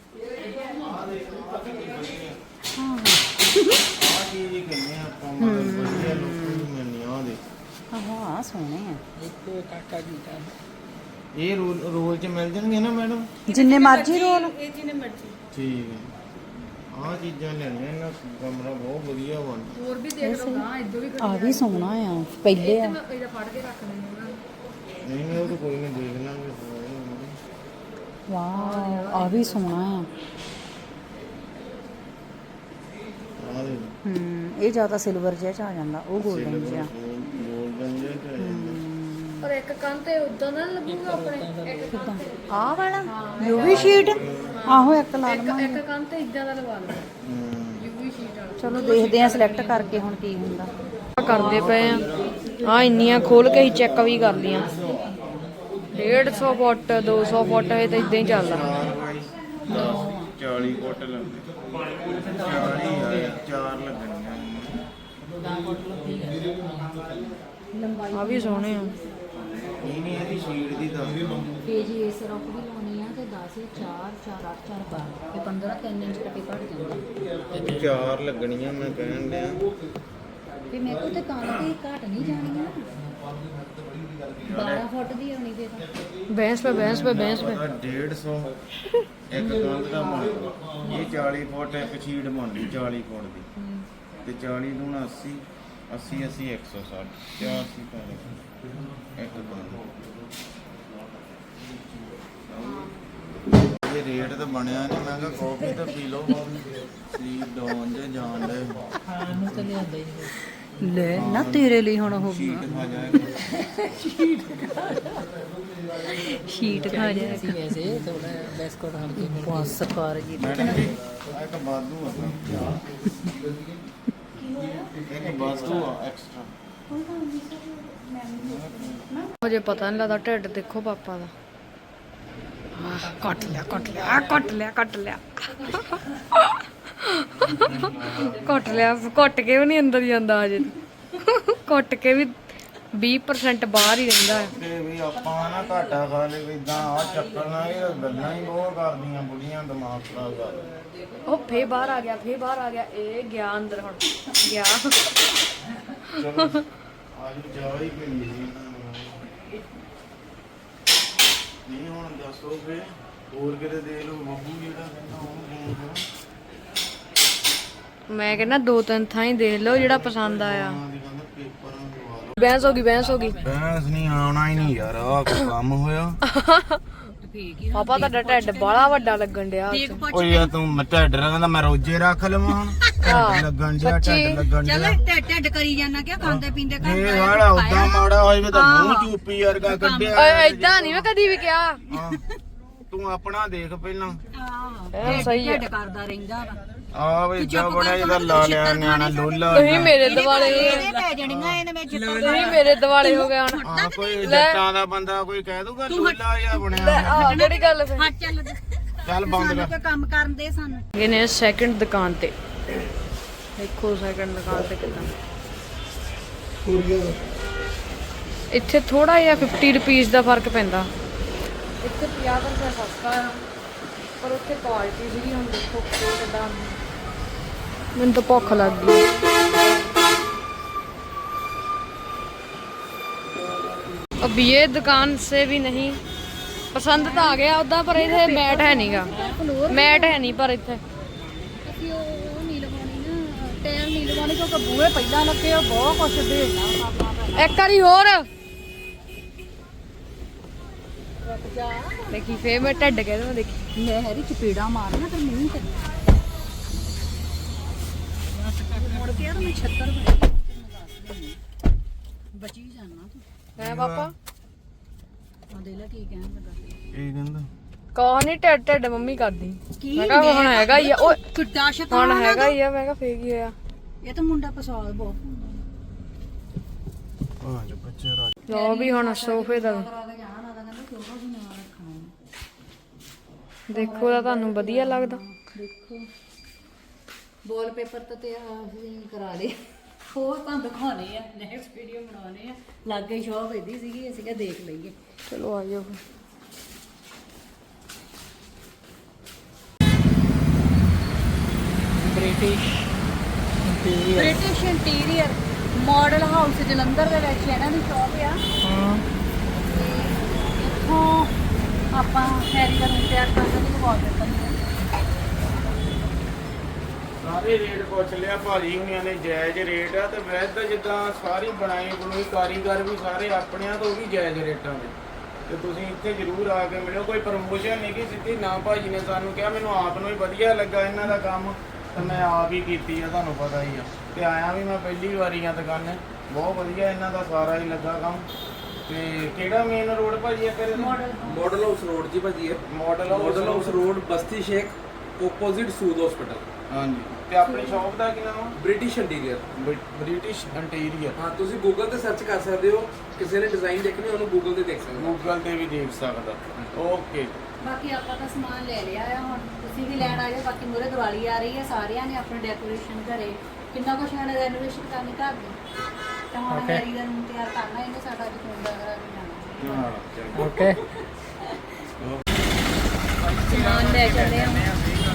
C: ਹਾਂ
B: ਆਹ ਚੀਜ਼ ਹੀ ਕਹਿੰਦੇ ਆਪਾਂ, ਮਤਲਬ ਵਧੀਆ ਲੋਕਾਂ ਨੂੰ ਮਿਲਣੀ ਆ। ਦੇ
C: ਆਹ ਸੋਹਣੇ ਆ।
D: ਇੱਕ ਕਾਕਾ ਜੀ ਦਾ
B: ਇਹ ਰੋਲ ਚ ਮਿਲ ਜਾਣਗੇ ਨਾ ਮੈਡਮ?
C: ਜਿੰਨੇ ਮਰਜ਼ੀ ਰੋਲ।
A: ਇਹ ਜਿਹਨੇ ਮਰਜ਼ੀ
B: ਠੀਕ ਹੈ। ਆਹ ਚੀਜ਼ਾਂ ਲੈਣੀਆਂ, ਇਹਨਾਂ ਕਮਰਾ ਬਹੁਤ ਵਧੀਆ ਬਣ।
A: ਹੋਰ ਵੀ ਦੇਖ ਲਓ ਨਾ, ਇਦੋਂ ਵੀ
C: ਆ ਵੀ ਸੋਹਣਾ ਆ। ਪਹਿਲੇ ਆ
A: ਇਹਦਾ ਫੜ ਕੇ ਰੱਖ ਲੈਣੇ ਉਹਨਾਂ ਨੂੰ।
B: ਨਹੀਂ ਉਹ ਤਾਂ ਕੋਈ ਨਹੀਂ, ਦੇਖ ਲਾਂਗੇ।
C: ਵਾਹ ਆ ਵੀ ਸੋਹਣਾ ਆ।
B: ਆਹ ਦੇ
C: ਇਹ ਜ਼ਿਆਦਾ ਸਿਲਵਰ ਜਿਹਾ ਚ ਆ ਜਾਂਦਾ, ਉਹ 골ਡਨ ਜਿਹਾ।
B: ਗੋਲਡਨ ਜਿਹਾ ਤੇ ਆ ਜਾਂਦਾ।
A: ਪਰ ਇੱਕ ਕੰਨ ਤੇ ਉਦਾਂ ਦਾ ਲੱਗੂਗਾ ਆਪਣੇ, ਇੱਕ ਕੰਨ ਤੇ
C: ਆਹ ਵਾਲਾ ਯੂਵੀ ਸ਼ੀਟ। ਆਹੋ ਇੱਕ ਲਾ ਲਵਾਂ।
A: ਇੱਕ ਕੰਨ ਤੇ ਇਦਾਂ ਦਾ ਲਵਾ ਲਓ,
B: ਹੂੰ
A: ਯੂਵੀ ਸ਼ੀਟ ਵਾਲਾ।
C: ਚਲੋ ਦੇਖਦੇ ਆ ਸਿਲੈਕਟ ਕਰਕੇ ਹੁਣ ਕੀ ਹੁੰਦਾ।
A: ਕਰਦੇ ਪਏ ਆ ਇੰਨੀਆਂ ਖੋਲ ਕੇ ਹੀ ਚੈੱਕ ਵੀ ਕਰ ਲੀਆਂ। 150 ਫੁੱਟ 200 ਫੁੱਟ ਇਹ ਤਾਂ ਇਦਾਂ ਹੀ ਚੱਲਦਾ।
B: 40 ਫੁੱਟ ਲੱਗਦੇ। 40 ਆ 4 ਲੱਗਣੀਆਂ।
A: ਆ ਵੀ ਸੋਹਣੇ ਆ।
B: ਨਹੀਂ ਇਹਦੀ ਸ਼ੀਟ ਦੀ ਦੱਸ ਦਿਓ।
C: ਪੇਜ ਇਸ ਰੁੱਖ ਦੀ ਲਾਉਣੀ ਆ ਤੇ 10 4 4 8 4 ਪਾ ਤੇ 15 3 ਇੰਚ ਕੱਟੀ ਘਟ ਜਾਂਦਾ।
B: 4 ਲੱਗਣੀਆਂ ਮੈਂ ਕਹਿਣ ਡਿਆ।
C: ਤੇ ਮੇਰੇ ਕੋਲ ਤੇ ਕੰਨ ਤੇ ਘਟ ਨਹੀਂ ਜਾਣੀਆਂ। 12 ਫੁੱਟ ਦੀ ਆਉਣੀ ਤੇ
A: ਬਹਿਸ ਪੇ
B: 150 ਇੱਕ ਕੰਧ ਦਾ ਬਣਦਾ। ਇਹ 40 ਫੁੱਟ ਇੱਕ ਸ਼ੀਟ ਬਣਦੀ 40 ਫੁੱਟ ਦੀ। ਤੇ 40 ਦੂਣਾ 80 80 80 160 84 ਪੈਣੇ ਇੱਕ ਕੰਧ। ਇਹ ਰੇਟ ਤਾਂ ਬਣਿਆ ਨਹੀਂ। ਮੈਂ ਕਿਹਾ ਕਾਫੀ ਤਾਂ ਪੀ ਲਓ। ਸਲੀਪ ਡਾਊਨ ਜੇ ਜਾਣ ਦੇ।
D: ਖਾਣ ਨੂੰ ਤਾਂ ਲਿਆਂਦਾ ਹੀ ਨਹੀਂ।
C: ਲੈ ਨਾ ਤੇਰੇ ਲਈ ਹੁਣ ਉਹ
B: ਸ਼ੀਟ ਖਾ ਜਾਏਗਾ
C: ਸ਼ੀਟ ਖਾ ਜਾਏਗਾ
D: वैसे थोड़ा बिस्कुट हम
C: ਬਸ ਕਰ ਜੀ
B: ਮੈਡਮ ਜੀ ਆ ਇੱਕ ਬਾਦੂ ਆ ਇੱਕ ਬਾਦੂ ਆ ਐਕਸਟਰਾ
A: ਹਜੇ ਪਤਾ ਨਹੀਂ ਲੱਗਦਾ ਢਿੱਡ ਦੇਖੋ ਪਾਪਾ ਦਾ ਕੱਟ ਲਿਆ ਕੱਟ ਲਿਆ ਕੱਟ ਲਿਆ ਕੱਟ ਲਿਆ ਕੱਟ ਲਿਆ ਕੱਟ ਕੇ ਵੀ ਨਹੀਂ ਅੰਦਰ ਜਾਂਦਾ ਹਜੇ ਕੱਟ ਕੇ ਵੀ 20% ਬਾਹਰ ਹੀ ਰਹਿੰਦਾ ਹੈ
B: ਤੇ ਵੀ ਆਪਾਂ ਨਾ ਘਾਟਾ ਖਾ ਲੇ ਵੀ ਇਦਾਂ ਆ ਚੱਕਰ ਨਾਲ ਇਹ ਗੱਲਾਂ ਹੀ ਬਹੁਤ ਕਰਦੀਆਂ ਬੁੜੀਆਂ ਦਿਮਾਗ ਖਰਾਬ ਕਰ
A: ਉਹ ਫੇ ਬਾਹਰ ਆ ਗਿਆ ਫੇ ਬਾਹਰ ਆ ਗਿਆ ਇਹ ਗਿਆ ਅੰਦਰ ਹੁਣ ਗਿਆ
B: ਚਲੋ ਅੱਜ ਚਾਹ ਹੀ ਪੀਣੀ ਸੀ ਇਹਨਾਂ ਨੂੰ। ਨਹੀਂ ਹੁਣ ਦੱਸੋ ਫੇ ਹੋਰ ਕਿਤੇ ਦੇ ਲਓ ਬੱਬੂ ਜਿਹੜਾ ਕਹਿੰਦਾ ਉਹ ਫੋਨ
A: ਮੈਂ ਕਹਿੰਦਾ 2-3 ਥਾਂ ਹੀ ਦੇਖ ਲਓ ਜਿਹੜਾ ਪਸੰਦ ਆਇਆ
B: ਦੀ ਕਹਿੰਦਾ ਪੇਪਰਾਂ ਦਵਾ ਲਓ
A: ਬਹਿਸ ਹੋ ਗਈ ਬਹਿਸ ਹੋ ਗਈ
B: ਬੈਂਸ ਨਹੀਂ ਆਉਣਾ ਹੀ ਨਹੀਂ ਯਾਰ ਆ ਕੰਮ ਹੋਇਆ
A: ਪਾਪਾ ਤੁਹਾਡਾ ਢਿੱਡ ਬਾਹਲਾ ਵੱਡਾ ਲੱਗਣ ਡਿਆ
B: ਓ ਯਾਰ ਤੂੰ ਮੈਂ ਢਿੱਡ ਰੱਖਦਾ ਮੈਂ ਰੋਜੇ ਰੱਖ ਲਵਾਂ ਹੁਣ ਢਿੱਡ ਲੱਗਣ ਡਿਆ ਢਿੱਡ ਲੱਗਣ ਡਿਆ
C: ਢੱਡ ਕਰੀ ਜਾਣਾ ਕਿ ਖਾਂਦੇ ਪੀਂਦੇ
B: ਇਹ ਵਾਲਾ ਉਦਾਂ ਮਾੜਾ ਹੋਏ ਵੇ ਤਾਂ ਮੂੰਹ ਚੂਪੀ ਵਰਗਾ ਕੱਢਿਆ
A: ਏਦਾਂ ਨਹੀਂ ਮੈਂ ਕਦੀ ਵੀ ਕਿਹਾ
B: ਹਾਂ। ਤੂੰ ਆਪਣਾ ਦੇਖ ਪਹਿਲਾਂ
A: ਸਹੀ ਹੈ
C: ਕਰਦਾ ਰਹਿੰਦਾ ਵਾ
B: ਆ ਵੇ ਇਦਾਂ ਬੜਾ ਜਿਹਦਾ ਲਾ ਲਿਆ ਨਿਆਣਾ ਲੋਲਾ
A: ਤੁਸੀਂ ਮੇਰੇ ਦਿਵਾਲੇ ਹੋ ਗਏ
C: ਪੈ ਜਾਣੀਆਂ ਇਹਨੇ ਵਿੱਚ
A: ਤੁਸੀਂ ਮੇਰੇ ਦਿਵਾਲੇ ਹੋ ਗਏ ਹੁਣ
B: ਆ ਕੋਈ ਜੱਟਾਂ ਦਾ ਬੰਦਾ ਕੋਈ ਕਹਿ ਦੂਗਾ ਲੋਲਾ ਜਿਹਾ ਬਣਿਆ
A: ਆਹ ਕਿਹੜੀ ਗੱਲ ਫੇ
C: ਚੱਲ
B: ਚੱਲ ਬੰਦ ਕਰ
C: ਕੰਮ ਕਰਨ ਦੇ ਸਾਨੂੰ
A: ਇਹ ਨੇ ਸੈਕਿੰਡ ਦੁਕਾਨ ਤੇ ਦੇਖੋ ਸੈਕਿੰਡ ਦੁਕਾਨ ਤੇ ਕਿਦਾਂ ਇੱਥੇ ਥੋੜਾ ਜਿਹਾ 50 ਰੁਪੀਸ ਦਾ ਫਰਕ ਪੈਂਦਾ ਇੱਥੇ 50 ਰੁਪਏ ਸਸਤਾ ਆ ਪਰ ਉੱਥੇ ਕੁਆਲਿਟੀ ਸੀਗੀ ਹੁਣ ਦੇਖੋ ਕਿਦਾਂ ਮੈਨੂੰ ਤਾਂ ਭੁੱਖ ਲੱਗ ਗਈ अब ये दुकान से भी नहीं पसंद तो आ गया उदा पर इतने मैट है नहीं गा मैट है नहीं पर इतने
C: ਅਸੀਂ ਉਹ ਨਹੀਂ ਲਗਾਉਣੀ ਨਾ ਟਾਇਰ ਨਹੀਂ ਲਗਾਉਣੀ ਕਿਉਂਕਿ ਬੂਹੇ ਪਹਿਲਾਂ ਲੱਗੇ ਆ ਬਹੁਤ ਕੁਛ ਦੇਣਾ
A: एक बारी और देखी फिर मैं ढड कह दूं देखी
C: ਮੈਂ ਹੈਰੀ ਚਪੇੜਾ ਮਾਰਨਾ ਤੇ ਮੂੰਹ ਤੇ ਮੁੜ ਕੇ ਯਾਰ ਮੈਂ 76 ਬਚੀ ਜਾਣਾ ਤੂੰ
A: है पापा
C: ਆ ਦੇ ਲੈ ਕੀ ਕਹਿਣ ਲੱਗਾ
B: ਇਹ ਕਹਿੰਦਾ
A: कहा नहीं ढड ढड मम्मी कर दी
C: ਕੀ
A: मैं कहा हुन हैगा ही ओ
C: ਕਿੱਡਾ ਸ਼ੈਤਾਨ
A: हुन हैगा ही है मैं कहा फेक ही होया
C: ਇਹ ਤਾਂ ਮੁੰਡਾ ਪਸਾਦ ਬਹੁਤ
B: ਆ ਜੋ ਬੱਚੇ ਰਾਜ
A: लो भी हुन सोफे दा
C: ਕਰਾ ਕੇ ਜਾਣਾ ਨਾ ਕਹਿੰਦਾ ਕਿਉਂ ਵੀ ਨਾ ਰੱਖਣਾ
A: देखो दा ਤੁਹਾਨੂੰ ਵਧੀਆ ਲੱਗਦਾ
C: ਦੇਖੋ ਵਾਲ ਪੇਪਰ ਤੇ ਅਸੀਂ ਕਰਾ ਲਏ ਹੋਰ ਤਾਂ ਦਿਖਾਉਣੇ ਆ ਨੈਕਸਟ ਵੀਡੀਓ ਬਣਾਉਣੇ ਆ ਲਾਗੇ ਸ਼ੌਪ ਇਹਦੀ ਸੀਗੀ ਅਸੀਂ ਕਿਹਾ ਦੇਖ ਲਈਏ
A: चलो आ जाओ
C: British interior model house Jalandhar ਦੇ ਵਿੱਚ ਇਹਨਾਂ ਦੀ ਸ਼ੌਪ ਆ ਤੇ ਇੱਥੋਂ ਆਪਾਂ ਹੈਰੀ ਦਾ ਰੂਮ ਤਿਆਰ ਕਰ ਸਕਦੇ ਵਾਲ ਪੇਪਰ
B: ਸਾਰੇ ਰੇਟ ਪੁੱਛ ਲਿਆ ਭਾਜੀ ਹੁਣਿਆਂ ਨੇ ਜਾਇਜ਼ ਰੇਟ ਆ ਤੇ ਵੈਸੇ ਤਾਂ ਜਿੱਦਾਂ ਸਾਰੀ ਬਣਾਈ ਬਣਾਈ ਕਾਰੀਗਰ ਵੀ ਸਾਰੇ ਆਪਣਿਆਂ ਤੋਂ ਵੀ ਜਾਇਜ਼ ਰੇਟਾਂ ਦੇ ਤੇ ਤੁਸੀਂ ਇੱਥੇ ਜ਼ਰੂਰ ਆ ਕੇ ਮਿਲਿਓ ਕੋਈ ਪ੍ਰਮੋਸ਼ਨ ਨਹੀਂ ਕਿ ਸਿੱਧੀ ਨਾ ਭਾਜੀ ਨੇ ਸਾਨੂੰ ਕਿਹਾ ਮੈਨੂੰ ਆਪ ਨੂੰ ਹੀ ਵਧੀਆ ਲੱਗਾ ਇਹਨਾਂ ਦਾ ਕੰਮ ਤੇ ਮੈਂ ਆਪ ਹੀ ਕੀਤੀ ਆ ਤੁਹਾਨੂੰ ਪਤਾ ਹੀ ਆ ਤੇ ਆਇਆ ਵੀ ਮੈਂ ਪਹਿਲੀ ਵਾਰੀ ਆ ਦੁਕਾਨੇ ਬਹੁਤ ਵਧੀਆ ਇਹਨਾਂ ਦਾ ਸਾਰਾ ਹੀ ਲੱਗਾ ਕੰਮ ਤੇ ਕਿਹੜਾ ਮੇਨ ਰੋਡ ਭਾਜੀ ਆ ਕਰੇ
F: मॉडल हाउस रोड जी भाजी है
B: ਮਾਡਲ
F: मॉडल हाउस रोड बस्ती शेख ओपोजिट सूद हॉस्पिटल
B: ਹਾਂਜੀ ਤੇ ਆਪਣੀ ਸ਼ਾਪ ਦਾ ਕੀ ਨਾਮ ਆ
F: ब्रिटिश इंटीरियर
B: ਬ੍ਰਿਟਿਸ਼ ਇੰਟੀਰੀਅਰ
F: हाँ ਤੁਸੀਂ ਗੂਗਲ ਤੇ ਸਰਚ ਕਰ ਸਕਦੇ ਹੋ ਕਿਸੇ ਨੇ ਡਿਜ਼ਾਈਨ ਦੇਖਣੇ ਉਹਨੂੰ ਗੂਗਲ ਤੇ ਦੇਖ ਸਕਦੇ ਹੋ
B: ਗੂਗਲ ਤੇ ਵੀ ਦੇਖ ਸਕਦਾ ਓਕੇ
C: ਬਾਕੀ ਆਪਾਂ ਤਾਂ ਸਮਾਨ ਲੈ ਲਿਆ ਆ ਹੁਣ ਤੁਸੀਂ ਵੀ ਲੈਣ ਆ ਜਾਓ ਬਾਕੀ ਮੂਹਰੇ ਦੀਵਾਲੀ ਆ ਰਹੀ ਹੈ ਸਾਰਿਆਂ ਨੇ ਆਪਣੀ ਡੈਕੋਰੇਸ਼ਨ ਘਰੇ ਕਿੰਨਾ ਕੁਛ ਇਹਨਾਂ ਨੇ ਰੈਨੋਵੇਸ਼ਨ ਕਰਨੀ ਘਰ ਦੀ ਤਾਂ ਹੁਣ ਹੈਰੀ ਦਾ ਰੂਮ ਤਿਆਰ ਕਰਨਾ ਇਹਨੇ ਸਾਡਾ ਅੱਜ ਫੋਨ ਦਾ ਕਰਾ ਕੇ ਜਾਣਾ
B: ਹਾਂ ਚਲੋ
A: ओके
C: ਸਮਾਨ ਲੈ ਚੱਲੇ ਆ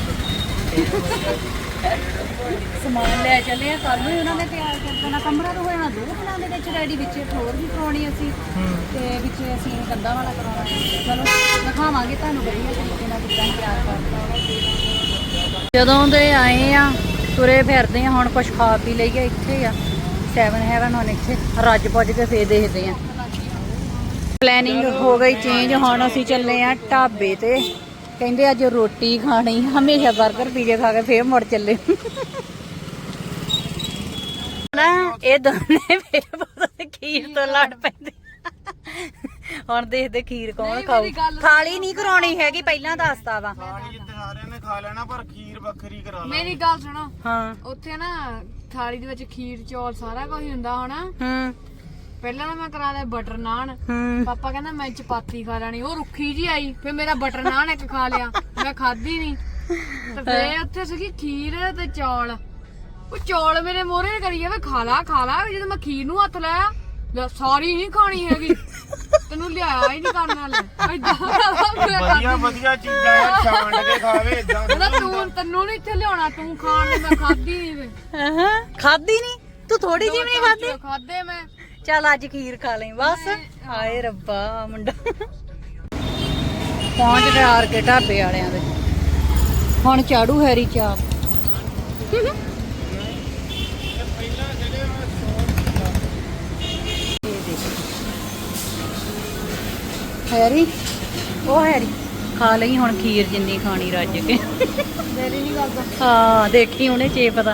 C: ਸਮਾਨ ਲੈ ਚੱਲੇ ਆ ਕੱਲ ਨੂੰ ਉਹਨਾਂ ਨੇ ਤਿਆਰ ਕਰ ਦੇਣਾ ਕਮਰਾ ਤਾਂ ਹੋ ਜਾਣਾ 2 ਦਿਨਾਂ ਦੇ ਵਿੱਚ ਰੈਡੀ ਵਿੱਚ ਫਲੋਰ ਵੀ ਕਰਾਉਣੀ ਅਸੀਂ ਤੇ ਵਿੱਚ ਅਸੀਂ ਕੰਧਾਂ ਵਾਲਾ ਕਰਾਉਣਾ ਚਲੋ ਦਿਖਾਵਾਂਗੇ ਤੁਹਾਨੂੰ ਵਧੀਆ ਤਰੀਕੇ ਨਾਲ ਕਿੱਦਾਂ ਤਿਆਰ ਕਰਨਾ ਜਦੋਂ ਦੇ ਆਏ ਆ ਤੁਰੇ ਫਿਰਦੇ ਆ ਹੁਣ ਕੁਝ ਖਾ ਪੀ ਲਈਏ ਇੱਥੇ ਆ 7 ਹੈਵਨ ਹੁਣ ਇੱਥੇ ਰੱਜ ਪੁੱਜ ਕੇ ਫੇਰ ਦੇਖਦੇ ਆ ਪਲੈਨਿੰਗ ਹੋ ਗਈ ਚੇਂਜ ਹੁਣ ਅਸੀਂ ਚੱਲੇ ਆ ਢਾਬੇ ਤੇ ਕਹਿੰਦੇ ਅੱਜ ਰੋਟੀ ਖਾਣੀ ਹਮੇਸ਼ਾ 버ਗਰ ਪੀਜ਼ੇ ਖਾ ਕੇ ਫੇਰ ਮੁੜ ਚੱਲੇ ਨਾ ਇਹ ਦੋਨੇ ਮੇਰੇ ਪੁੱਤ ਖੀਰ ਤੋਂ ਲੜ ਪੈਂਦੇ। ਹੁਣ ਦੇਖਦੇ ਖੀਰ ਕੌਣ
A: ਨਹੀਂ,
C: ਖਾਊ।
A: ਮੇਰੀ ਗੱਲ ਸੁਣੋ।
C: ਥਾਲੀ ਨਹੀਂ ਕਰਾਉਣੀ ਹੈਗੀ, ਪਹਿਲਾਂ ਦੱਸਤਾ ਵਾ।
B: ਥਾਲੀ ਜਿੱਤੇ ਸਾਰਿਆਂ ਨੇ ਖਾ ਲੈਣਾ ਪਰ ਖੀਰ ਵੱਖਰੀ ਕਰਾ ਲਾ।
A: ਮੇਰੀ ਗੱਲ ਸੁਣੋ,
C: ਹਾਂ।
A: ਉੱਥੇ ਨਾ ਥਾਲੀ ਦੇ ਵਿੱਚ ਖੀਰ ਚੌਲ ਸਾਰਾ ਕੁਝ ਹੁੰਦਾ ਹੋਣਾ।
C: ਹੂੰ
A: ਪਹਿਲਾਂ ਨਾ ਮੈਂ ਕਰਾ ਲਿਆ ਬਟਰ ਨਾਨ।
C: ਹੂੰ
A: ਪਾਪਾ ਕਹਿੰਦਾ ਮੈਂ ਚਪਾਤੀ ਖਾ ਲੈਣੀ, ਉਹ ਰੁੱਖੀ ਜੀ ਆਈ। ਫਿਰ ਮੇਰਾ ਬਟਰ ਨਾਨ ਇੱਕ ਖਾ ਲਿਆ, ਮੈਂ ਖਾਧੀ ਨਹੀਂ। ਤੇ ਫਿਰ ਉੱਥੇ ਸੀਗੀ ਖੀਰ ਤੇ ਚੌਲ। ਉਹ ਚੌਲ ਮੇਰੇ ਮੋਹਰੇ ਕਰੀ ਜਾਵੇ ਖਾ ਲਾ ਖਾ ਲਾ। ਜਦੋਂ ਮੈਂ ਖੀਰ ਨੂੰ ਹੱਥ ਲਾਇਆ, ਲੈ ਸਾਰੀ ਨਹੀਂ ਖਾਣੀ ਹੈਗੀ, ਤੈਨੂੰ ਲਿਆਇਆ ਹੀ ਨਹੀਂ ਕਰਨ ਨਾਲ।
B: ਵਧੀਆ ਵਧੀਆ ਚੀਜ਼ਾਂ ਯਾਰ ਛਾਂਡ ਕੇ ਖਾਵੇ ਇਦਾਂ।
A: ਤੈਨੂੰ ਨਹੀਂ ਇੱਥੇ ਲਿਆਉਣਾ, ਤੂੰ ਖਾਣ ਨੂੰ। ਮੈਂ ਖਾਧੀ ਨਹੀਂ।
C: ਖਾਦੀ ਨਹੀਂ ਤੂੰ, ਥੋੜੀ ਜਿਹੀ ਵੀ ਨਹੀਂ ਖਾਦੀ।
A: ਖਾਦੇ ਮੈਂ।
C: ਚੱਲ ਅੱਜ ਖੀਰ ਖਾ ਲਈ ਬਸ। ਹਾਏ ਰੱਬਾ ਮੁੰਡਾ ਪਹੁੰਚ ਗਏ ਆਰ ਕੇ ਢਾਬੇ ਵਾਲਿਆਂ ਦੇ। ਹੁਣ ਚਾੜੂ ਹੈਰੀ ਚਾਪ। ਹੈਰੀ ਉਹ ਹੈਰੀ ਖਾ ਲਈ ਹੁਣ ਖੀਰ ਜਿੰਨੀ ਖਾਣੀ ਰੱਜ ਕੇ।
A: ਦੇਰੀ ਨਹੀਂ ਕਰਦਾ।
C: ਹਾਂ ਦੇਖੀ ਉਹਨੇ ਚੇਪ ਦਾ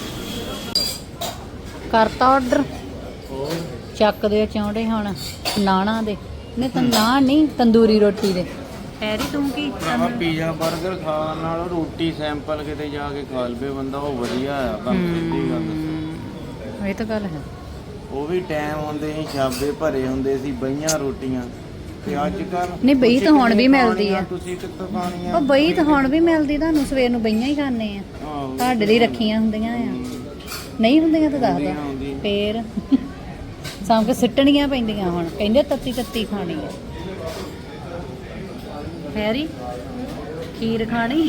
C: ਕਰਤਾ ਆਰਡਰ। ਚੱਕਦੇ ਚੌਂਡੇ ਹੁਣ ਨਾਣਾ ਦੇ ਨੇ ਤਾਂ ਨਾਨ ਨਹੀਂ ਤੰਦੂਰੀ ਰੋਟੀ ਦੇ। ਹੈਰੀ ਤੂੰ ਕੀ
B: ਭਰਾਵਾ ਪੀਜ਼ਾ 버ਗਰ ਖਾਣ ਨਾਲੋਂ ਰੋਟੀ ਸੈਂਪਲ ਕਿਤੇ ਜਾ ਕੇ ਖਾ ਲਵੇ ਬੰਦਾ, ਉਹ ਵਧੀਆ ਆ। ਤੁਹਾਨੂੰ ਸਿੱਧੀ ਗੱਲ ਦੱਸਾਂ,
C: ਇਹ ਤਾਂ ਗੱਲ ਹੈ।
B: ਉਹ ਵੀ ਟਾਈਮ ਹੁੰਦੇ ਸੀ, ਛਾਬੇ ਭਰੇ ਹੁੰਦੇ ਸੀ, ਬਈਆਂ ਰੋਟੀਆਂ। ਤੇ ਅੱਜ ਕੱਲ
C: ਨਹੀਂ ਬਈ ਤਾਂ ਹੁਣ ਵੀ ਮਿਲਦੀ ਆ।
B: ਤੁਸੀਂ ਕਿੱਥੋਂ ਖਾਣੀ ਆ?
C: ਉਹ ਬਈ ਤਾਂ ਹੁਣ ਵੀ ਮਿਲਦੀ, ਤੁਹਾਨੂੰ ਸਵੇਰ ਨੂੰ ਬਈਆਂ ਹੀ ਖਾਣੇ ਆ।
B: ਆਹੋ।
C: ਤੁਹਾਡੇ ਲਈ ਰੱਖੀਆਂ ਹੁੰਦੀਆਂ ਆ। ਨਹੀਂ ਹੁੰਦੀਆਂ ਤਾਂ ਦੱਸ
B: ਹੁੰਦੀਆਂ,
C: ਦੋ
B: ਹੁੰਦੀਆਂ।
C: ਫੇਰ ਸਾਂਭ ਕੇ ਸਿੱਟਣੀਆਂ ਪੈਂਦੀਆਂ। ਹੁਣ ਕਹਿੰਦੇ ਤੱਤੀ ਤੱਤੀ ਖਾਣੀ ਆ। ਹੈਰੀ ਖੀਰ ਖਾਣੀ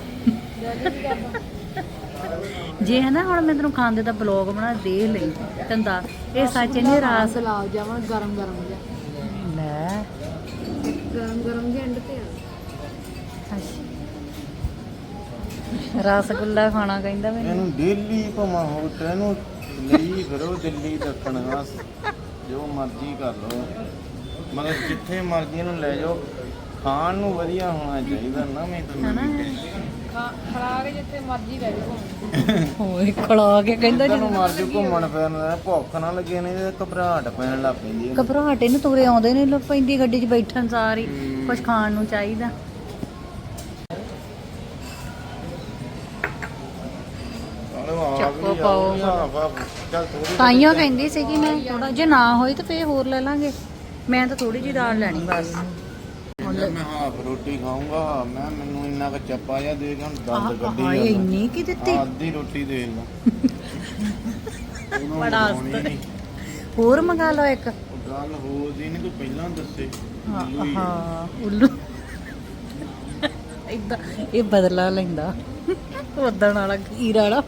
C: ਜੇ ਹੈ ਨਾ। ਹੁਣ ਮੈਂ ਤੈਨੂੰ ਖਾਂਦੇ ਦਾ ਬਲੌਗ ਬਣਾ ਦੇਖ ਲਈ ਤੈਨੂੰ ਦੱਸ। ਇਹ ਸੱਚ ਨੇ ਰਾਸ
A: ਲਾ ਜਾਵਾਂ ਗਰਮ ਗਰਮ ਜਿਹਾ।
C: ਲੈ
A: ਗਰਮ ਗਰਮ ਦੇ ਐਂਡ ਤੇ
C: ਰਸਗੁੱਲਾ ਖਾਣਾ ਕਹਿੰਦਾ ਮੈਨੂੰ।
B: ਇਹਨੂੰ ਡੇਲੀ ਘੁਮਾ ਹੋਟਲ ਨੂੰ ਲਈ ਫਿਰੋ, ਦਿੱਲੀ ਦੱਖਣ ਵਾਸ ਜੋ ਮਰਜ਼ੀ ਕਰ ਲਓ, ਮਗਰ ਜਿੱਥੇ ਮਰਜ਼ੀ ਨੂੰ ਲੈ ਜਾਓ। ਖਾਣ ਨੂੰ ਵਧੀਆ ਹੋਣਾ ਚਾਹੀਦਾ ਨਾ। ਮੈਂ ਤਾਂ
A: ਖੜਾ ਕੇ ਜਿੱਥੇ ਮਰਜ਼ੀ ਲੈ ਜਾਓ।
C: ਓਏ ਖੜਾ ਕੇ ਕਹਿੰਦਾ
B: ਜਦੋਂ ਮਰਜ਼ੀ ਘੁੰਮਣ ਫਿਰਨ ਦਾ ਭੁੱਖ ਨਾ ਲੱਗੇ ਨਹੀਂ ਤੇ ਘਬਰਾਹਟ ਪੈਣ ਲੱਗ ਪੈਂਦੀ ਹੈ।
C: ਘਬਰਾਹਟ ਇਹਨੂੰ ਤੁਰੇ ਆਉਂਦੇ ਨੇ ਲੋਕ ਪੈਂਦੀ ਗੱਡੀ 'ਚ ਬੈਠਣ ਸਾਰੀ। ਕੁਝ ਖਾਣ ਨੂੰ ਚਾਹੀਦਾ। ਚੱਕੋ ਪਾਓ।
B: ਚੱਲ ਥੋੜੀ
C: ਤਾਈਓ ਕਹਿੰਦੀ ਸੀਗੀ ਮੈਂ ਥੋੜਾ ਜੇ ਨਾ ਹੋਈ ਤਾਂ ਫੇਰ ਹੋਰ ਲੈ ਲਾਂਗੇ। ਮੈਂ ਤਾਂ ਥੋੜੀ ਜਿਹੀ ਦਾਲ ਲੈਣੀ ਬਸ।
B: ਮੈਂ ਹਾਫ ਰੋਟੀ ਖਾਊਂਗਾ। ਮੈਨੂੰ ਇੰਨਾ ਕੁ ਚੱਪਾ ਜਿਹਾ ਦੇ ਕੇ ਹੁਣ ਦੰਦ ਕੱਢੀ
C: ਹਾਏ
B: ਜਾਂਦਾ।
C: ਇੰਨੀ ਕੀ ਦਿੱਤੀ।
B: ਅੱਧੀ ਰੋਟੀ ਦੇ ਲਾ।
C: ਬੜਾ ਅਸਤ। ਹੋਰ ਮੰਗਾ ਲਓ ਇੱਕ।
B: ਗੱਲ ਹੋਰ ਦੀ ਨਹੀਂ, ਤੂੰ ਪਹਿਲਾਂ ਦੱਸੇ।
C: ਹਾਂ ਉੱਲੂ ਇਦਾਂ ਇਹ ਬਦਲਾ ਲੈਂਦਾ ਉਦਣ ਵਾਲਾ ਖੀਰ ਵਾਲਾ।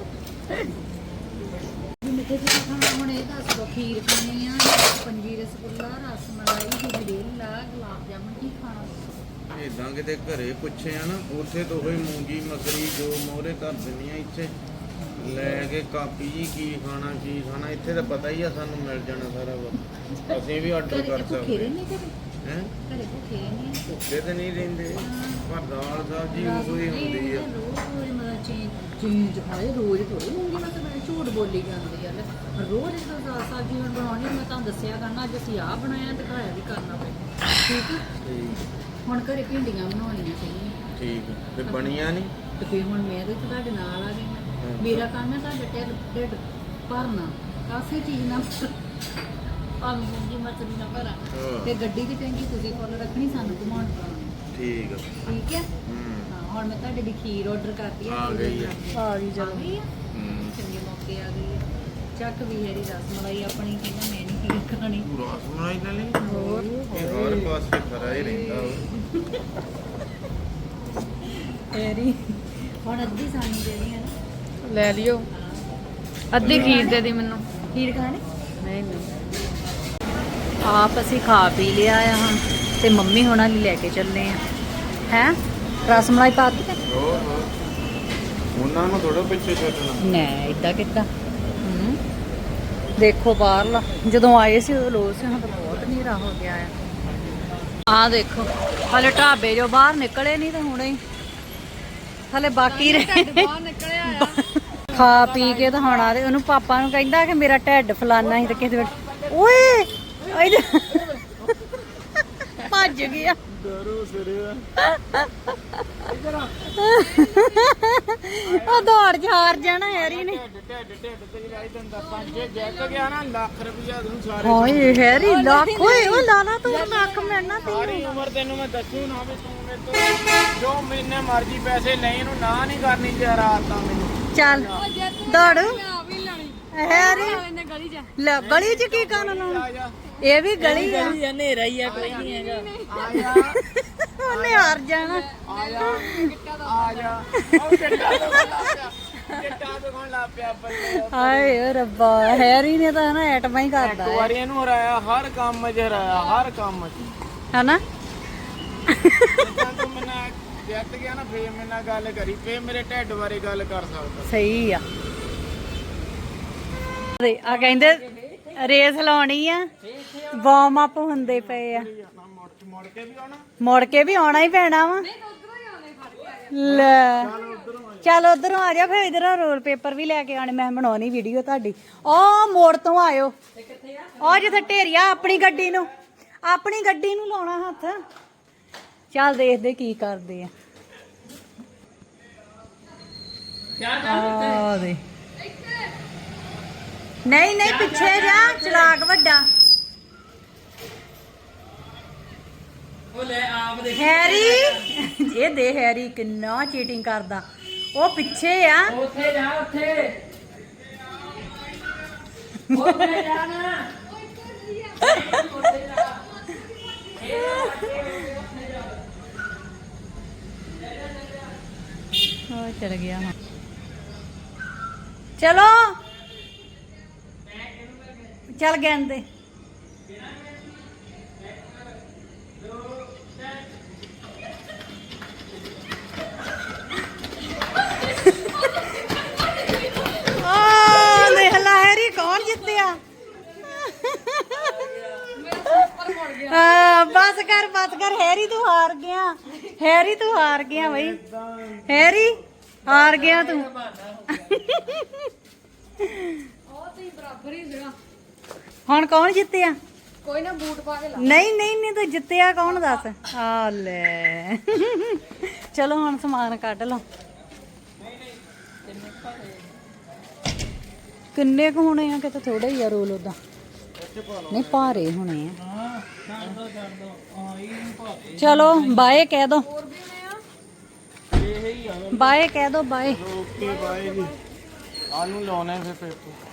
C: ਮਿੱਠੇ ਚ ਖਾਣਾ ਹੁਣ ਇਹ ਦੱਸ ਦੋ। ਖੀਰ ਖਾਣੀ ਆ, ਪੰਜੀ ਰਸਗੁੱਲਾ, ਰਸ ਮਲਾਈ, ਗਜਰੇਲਾ, ਗੁਲਾਬ ਜਾਮੁਨ, ਕੀ ਖਾਣਾ?
B: ਇਦਾਂ ਕਿਤੇ ਘਰੇ ਪੁੱਛੇ ਆ ਨਾ, ਉੱਥੇ ਤੋਂ ਹੋਈ ਮੂੰਗੀ ਮਸਰੀ ਜੋ ਮੋਹਰੇ ਧਰ ਦਿੰਦੀਆਂ। ਇੱਥੇ ਲੈ ਕੇ ਕਾਪੀ ਜੀ ਕੀ ਖਾਣਾ ਕੀ ਖਾਣਾ। ਇੱਥੇ ਤਾਂ ਪਤਾ ਹੀ ਆ, ਸਾਨੂੰ ਮਿਲ ਜਾਣਾ ਸਾਰਾ ਕੁਝ। ਅਸੀਂ ਵੀ ਆਰਡਰ ਕਰ ਸਕਦੇ ਹੈ।
C: ਘਰੇ ਭੁੱਖੇ ਨਹੀਂ
B: ਭੁੱਖੇ ਤੇ ਨਹੀਂ ਰਹਿੰਦੇ, ਪਰ ਦਾਲ ਸਬਜ਼ੀ ਉਹੀ ਹੁੰਦੀ ਆ।
C: ਚੀਜ਼ ਖਾਏ ਰੋਜ਼ ਥੋੜੀ ਮੂੰਗੀ ਮਸਰੀ ਝੂਠ ਬੋਲੀ ਜਾਂਦੀ ਆ। ਰੋਜ਼ ਸਬਜ਼ੀ ਹੁਣ ਬਣਾਉਣੀ। ਮੈਂ ਤੁਹਾਨੂੰ ਦੱਸਿਆ ਕਰਨਾ ਅੱਜ ਅਸੀਂ ਆਹ ਬਣਾਇਆ ਤੇ ਖਾਇਆ ਵੀ ਕਰਨਾ ਪੈਣਾ। ਠੀਕ ਆ। ਹੁਣ ਘਰੇ ਭਿੰਡੀਆਂ ਬਣਾਉਣੀਆਂ ਸੀਗੀਆਂ।
B: ਠੀਕ ਤੇ ਬਣੀਆਂ ਨਹੀਂ
C: ਤੇ ਫਿਰ ਹੁਣ ਮੈਂ ਤੇ ਤੁਹਾਡੇ ਨਾਲ ਆ ਗਈ। ਮੇਰਾ ਕੰਮ ਹੈ ਤੁਹਾਡੇ ਢਿੱਡ ਭਰਨਾ, ਕਾਸੇ ਚੀਜ਼ ਨਾ ਭਾਵੇਂ ਮੂੰਗੀ ਮਸਰੀ ਨਾ ਭਰਾ। ਤੇ ਗੱਡੀ ਦੀ ਟੈਂਕੀ ਤੁਸੀਂ ਫੁੱਲ ਰੱਖਣੀ, ਸਾਨੂੰ ਘੁਮਾਉਣ ਪਾਉਣੀ।
B: ਠੀਕ ਆ।
C: ਠੀਕ ਹੈ। ਹਾਂ ਹੁਣ ਮੈਂ ਤੁਹਾਡੇ ਲਈ ਖੀਰ ਆਰਡਰ ਕਰਤੀ ਹੈ।
B: ਆ ਗਈ ਆ।
C: ਆ ਗਈ ਚੰਗੇ ਮੌਕੇ ਆ ਗਈ ਹੈ। ਚੱਕ ਵੀ ਹੈਰੀ ਰਸ ਮਲਾਈ ਆਪਣੀ। ਕਹਿੰਦਾ ਮੈਂ ਨਹੀਂ ਖੀਰ ਖਾਣੀ।
B: ਤੂੰ ਰਸ ਮਲਾਈ ਲੈ ਲਈ।
C: ਹੋਰ
B: ਇਹ ਹਰ ਪਾਸੇ ਖਰਾ ਹੀ ਰਹਿੰਦਾ
C: ਹੈਰੀ ਹੁਣ ਅੱਧੀ ਸਾਨੂੰ ਦੇਣੀ ਹੈ ਨਾ।
A: ਲੈ ਲਿਓ ਅੱਧੀ ਖੀਰ ਦੇ ਦੀ ਮੈਨੂੰ।
C: ਖੀਰ ਖਾਣੀ
A: ਨਹੀਂ ਨਹੀਂ।
C: ਆਪ ਅਸੀਂ ਖਾ ਪੀ ਲਿਆ ਆ ਹੁਣ ਤੇ ਮੰਮੀ ਹੋਣਾ ਲਈ ਲੈ ਕੇ ਚੱਲੇ ਆ। ਹੈ ਰਸ ਮਲਾਈ ਪਾ ਦਿੱਤੀ।
B: ਹੋਰ ਉਹਨਾਂ ਨੂੰ ਥੋੜਾ ਪਿੱਛੇ ਛੱਡਣਾ।
C: ਨਾ ਇਦਾਂ ਕਿੱਦਾਂ। ਦੇਖੋ ਬਾਹਰਲਾ ਜਦੋਂ ਆਏ ਸੀ ਉਦੋਂ ਲੋਕ ਸੀ, ਹੁਣ ਤਾਂ ਬਹੁਤ ਹਨੇਰਾ ਹੋ ਗਿਆ ਆ ਦੇਖੋ ਹਲੇ ਢਾਬੇ ਜੋ ਬਾਹਰ ਨਿਕਲੇ ਨਹੀਂ ਤੇ ਹੁਣੇ ਹਲੇ ਬਾਕੀ ਰਹੇ।
A: ਬਾਹਰ ਨਿਕਲਿਆ ਆ।
C: ਖਾ ਪੀ ਕੇ ਤਾਂ ਹੁਣ ਆ ਤੇ ਉਹਨੂੰ ਪਾਪਾ ਨੂੰ ਕਹਿੰਦਾ ਕਿ ਮੇਰਾ ਢਿੱਡ ਫਲਾਨਾ ਸੀ ਤੇ ਕਿਸੇ ਵੇਲੇ ਓਏ ਭੱਜ ਗਿਆ
B: ਡਰੂ ਸਿਰੇ
C: ਉਹ ਦੌੜ ਚ ਹਾਰ ਜਾਣਾ ਹੈਰੀ ਨੇ
B: ਢਿੱਡ ਤੇ ਲਾਈ ਦਿੰਦਾ ਪੰਜੇ ਜਿੱਤ ਗਿਆ ਨਾ ਲੱਖ ਰੁਪਇਆ ਤੈਨੂੰ ਸਾਰੇ
C: ਹਾਏ ਹੈਰੀ ਲੱਖ ਓਏ ਉਹ ਲਾਲਾ ਤੂੰ ਲੱਖ ਮਿਲਣਾ
B: ਸਾਰੀ ਉਮਰ ਤੈਨੂੰ ਮੈਂ ਦੱਸੂ ਨਾ ਵੀ ਤੂੰ ਮੇਰੇ ਤੋਂ ਜੋ ਮੈਨੇ ਮਰਜ਼ੀ ਪੈਸੇ ਲੈ ਇਹਨੂੰ ਨਾ ਨਹੀਂ ਕਰਨੀ ਤੇ ਰਾਤ ਤਾਂ ਮੈਨੂੰ
C: ਚੱਲ ਦੌੜ
A: ਆ ਵੀ ਲੈਣੀ
C: ਹੈਰੀ
A: ਇਹਨੇ ਗਲੀ 'ਚ
C: ਲੈ ਗਲੀ ਚ ਕੀ ਕਰਨ ਲਾਉਣਾ
B: ਆ ਜਾ
C: ਇਹ ਵੀ ਗਲੀ ਆ
D: ਹਨੇਰਾ ਹੀ ਆ ਕੋਈ ਨਹੀਂ ਹੈਗਾ
B: ਆ ਜਾ
C: ਉਹਨੇ ਹਾਰ ਜਾਣਾ
B: ਆ ਜਾ ਆ ਜਾ ਉਹ ਕਿੱਡਾ ਦੁਕਾਨ ਲਾ ਪਿਆ ਬੱਲੇ
C: ਹਾਏ ਓ ਰੱਬਾ ਹੈਰੀ ਨੇ ਤਾਂ ਨਾ ਐਟਮਾਂ ਹੀ ਕਰਦਾ
B: ਇੱਕ ਵਾਰੀ ਇਹਨੂੰ ਹਰਾਇਆ ਹਰ ਕੰਮ 'ਚ ਹਰਾਇਆ ਹਰ ਕੰਮ 'ਚ
C: ਹਨਾ
B: ਜਿੱਦਾਂ ਤੂੰ ਮੈਨਾਂ ਜਿੱਤ ਗਿਆ ਨਾ ਫੇਰ ਮੇਰੇ ਨਾਲ ਗੱਲ ਕਰੀ ਫੇਰ ਮੇਰੇ ਢਿੱਡ ਬਾਰੇ ਗੱਲ ਕਰ ਸਕਦਾ
C: ਸਹੀ ਆ ਆ ਕਹਿੰਦੇ ਰੇਸ ਲਾਉਣੀ ਆ ਵਾਰਮ ਅਪ ਹੁੰਦੇ ਪਏ ਆ
B: ਮੁੜ ਕੇ ਵੀ ਆਉਣਾ
C: ਮੁੜ ਕੇ ਵੀ ਆਉਣਾ ਹੀ ਪੈਣਾ ਵਾ ਲੈ ਚੱਲ ਉਧਰੋਂ ਆ ਜਾ ਫਿਰ ਇਧਰੋਂ ਰੋਲ ਪੇਪਰ ਵੀ ਲੈ ਕੇ ਆਣੇ ਮੈਂ ਬਣਾਉਣੀ ਵੀਡੀਓ ਤੁਹਾਡੀ ਉਹ ਮੋੜ ਤੋਂ ਆਇਓ ਉਹ ਜਿੱਥੇ ਢੇਰੀਆ ਆਪਣੀ ਗੱਡੀ ਨੂੰ ਲਾਉਣਾ ਹੱਥ ਚੱਲ ਦੇਖਦੇ ਕੀ ਕਰਦੇ ਆ ਆ ਦੇ ਨਹੀਂ ਪਿੱਛੇ ਜਾ ਚਲਾਕ ਵੱਡਾ
D: ਉਹ ਲੈ ਆਪ ਦੇ
C: ਹੈਰੀ ਇਹ ਦੇ ਹੈਰੀ ਕਿੰਨਾ ਚੀਟਿੰਗ ਕਰਦਾ ਉਹ ਪਿੱਛੇ ਆ
D: ਉੱਥੇ ਜਾ ਉੱਥੇ ਜਾ ਨਾ
C: ਉਹ ਚਲ ਗਿਆ ਹਾਂ ਚਲੋ ਚੱਲ ਗੰਦੇ ਦੇਖ ਲੈ ਹੈਰੀ ਕੌਣ ਜਿੱਤਿਆ ਬਸ ਕਰ ਹੈਰੀ ਤੂੰ ਹਾਰ ਗਿਆ ਬਈ ਹੈਰੀ ਹਾਰ ਗਿਆ ਤੂੰ
A: ਉਹ ਤੇ ਬਰਾਬਰ ਹੀ ਸੀਗਾ
C: ਹੁਣ ਕੌਣ ਜਿੱਤਿਆ
A: ਕੋਈ ਨਾ ਬੂਟ ਪਾ ਕੇ ਲਾ
C: ਨਹੀਂ ਤੂੰ ਜਿੱਤਿਆ ਕੌਣ ਦੱਸ ਆ ਲੈ ਚਲੋ ਹੁਣ ਸਮਾਨ ਕੱਢ ਲਓ ਕਿੰਨੇ ਕੁ ਹੋਣੇ ਆ ਕਿਤੇ ਥੋੜੇ ਹੀ ਆ ਰੋਲ ਉਦਾਂ ਨਹੀਂ ਭਾਰੇ ਹੋਣੇ ਆ ਚਲੋ ਬਾਏ ਕਹਿ ਦੋ ਬਾਏ ਕਹਿ ਦੋ ਬਾਏ
B: ਓਕੇ ਬਾਏ ਜੀ ਆਨੂੰ ਲਾਉਣੇ ਫਿਰ ਪੇਪਰ